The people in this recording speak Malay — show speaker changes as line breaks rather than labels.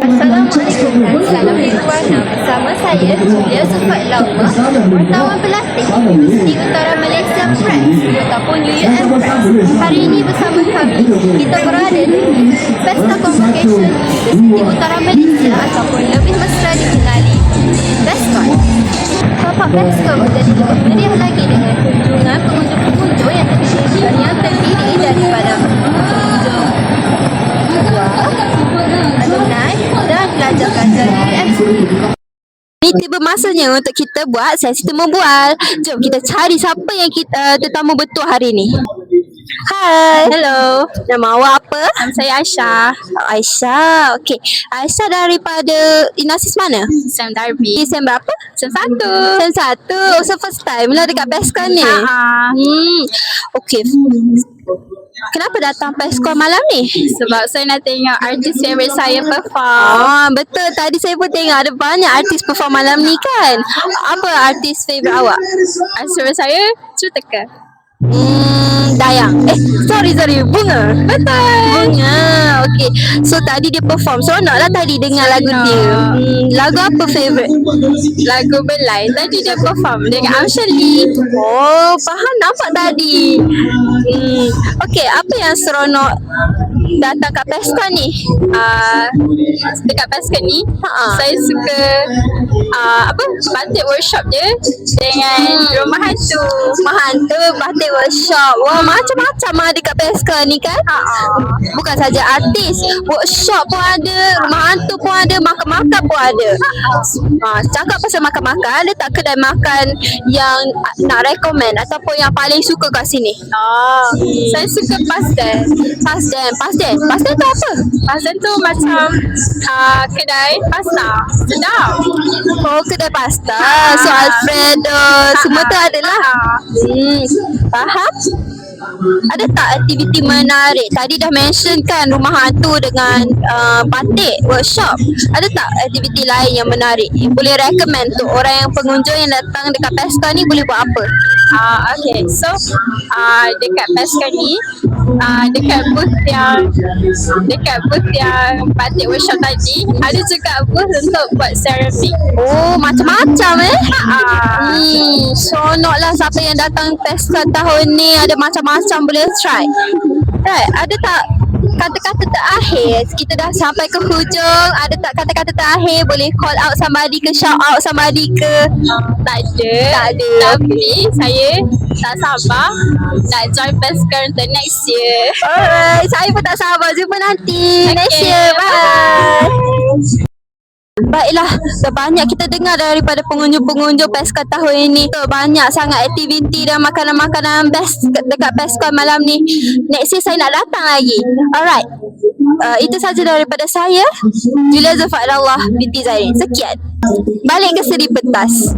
Assalamualaikum dan salam Nirwana. Bersama saya Julia Zufat Lauma, wartawan pelatih Universiti Utara Malaysia Press ataupun UUM Press. Hari ini bersama kami, kita berada di Pesta Convocation Universiti Utara Malaysia ataupun lebih mesra dikenali BESCON. Tapak BESCON menjadi lebih meriah lagi dengan kunjungan pengunjung-pengunjung yang terdiri daripada pengunjung alumni dan pelajar-pelajar UMC. Ini tiba masanya untuk kita buat sesi temu bual. Jom kita cari siapa yang kita tetamu betul hari ni. Hai. Hello. Nama awak apa?
Nama saya Aisyah.
Aisyah. Okey. Aisyah daripada Inasis mana?
Sam Darby.
Sem berapa?
Sem 1.
Sem 1. So first time lah dekat PESCON ni. Okey. Kenapa datang PESCON malam ni?
Sebab saya nak tengok artis favourite saya perform.
Betul. Tadi saya pun tengok ada banyak artis perform malam ni kan. Apa artis favourite awak?
Artis favourite saya Cuteka.
Dayang. Sorry. Bunga.
Betul.
Bunga. Okey. So tadi dia perform. Seronok lah tadi dengar lagu dia. Lagu apa favourite?
Lagu Belai. Tadi dia perform dengan Amshali.
Oh, faham nampak tadi. Okey, apa yang seronok datang kat PESCON ni?
Dekat PESCON ni, saya suka batik workshop dia dengan rumah hantu.
Rumah hantu, batik workshop. Wah, macam-macam ada kat PESCON ni kan? Bukan saja artis, workshop pun ada, rumah hantu pun ada, makan-makan pun ada. Cakap pasal makan-makan, ada tak kedai makan yang nak recommend ataupun yang paling suka kat sini?
Saya suka pastel.
Pastel tu apa?
Pastel tu macam kedai pasta. Sedap.
Oh, kedai pasta. So Alfredo, semua tu adalah. Faham? Ada tak aktiviti menarik? Tadi dah mention kan rumah hantu dengan batik workshop. Ada tak aktiviti lain yang menarik? Boleh recommend tu orang yang pengunjung yang datang dekat PESCON ni boleh buat apa?
Okay, so dekat PESCON ni dekat booth yang batik workshop tadi ada juga booth untuk buat ceramik.
Oh, macam-macam seronok lah siapa yang datang PESCON tahun ni, ada macam-macam boleh try. Right, ada tak kata-kata terakhir? Kita dah sampai ke hujung. Ada tak kata-kata terakhir? Boleh call out somebody ke, shout out somebody ke?
Tak ada. Tapi saya tak sabar nak join PESCON untuk next year.
Alright, saya pun tak sabar. Jumpa nanti next
Okay,
year. Bye. Baiklah, banyak kita dengar daripada pengunjung-pengunjung PESCON tahun ini. Banyak sangat aktiviti dan makanan-makanan best dekat PESCON malam ni. Next year saya nak datang lagi. Alright, itu saja daripada saya, Julia Zufat Lauma binti Zairin. Sekian. Balik ke seri pentas.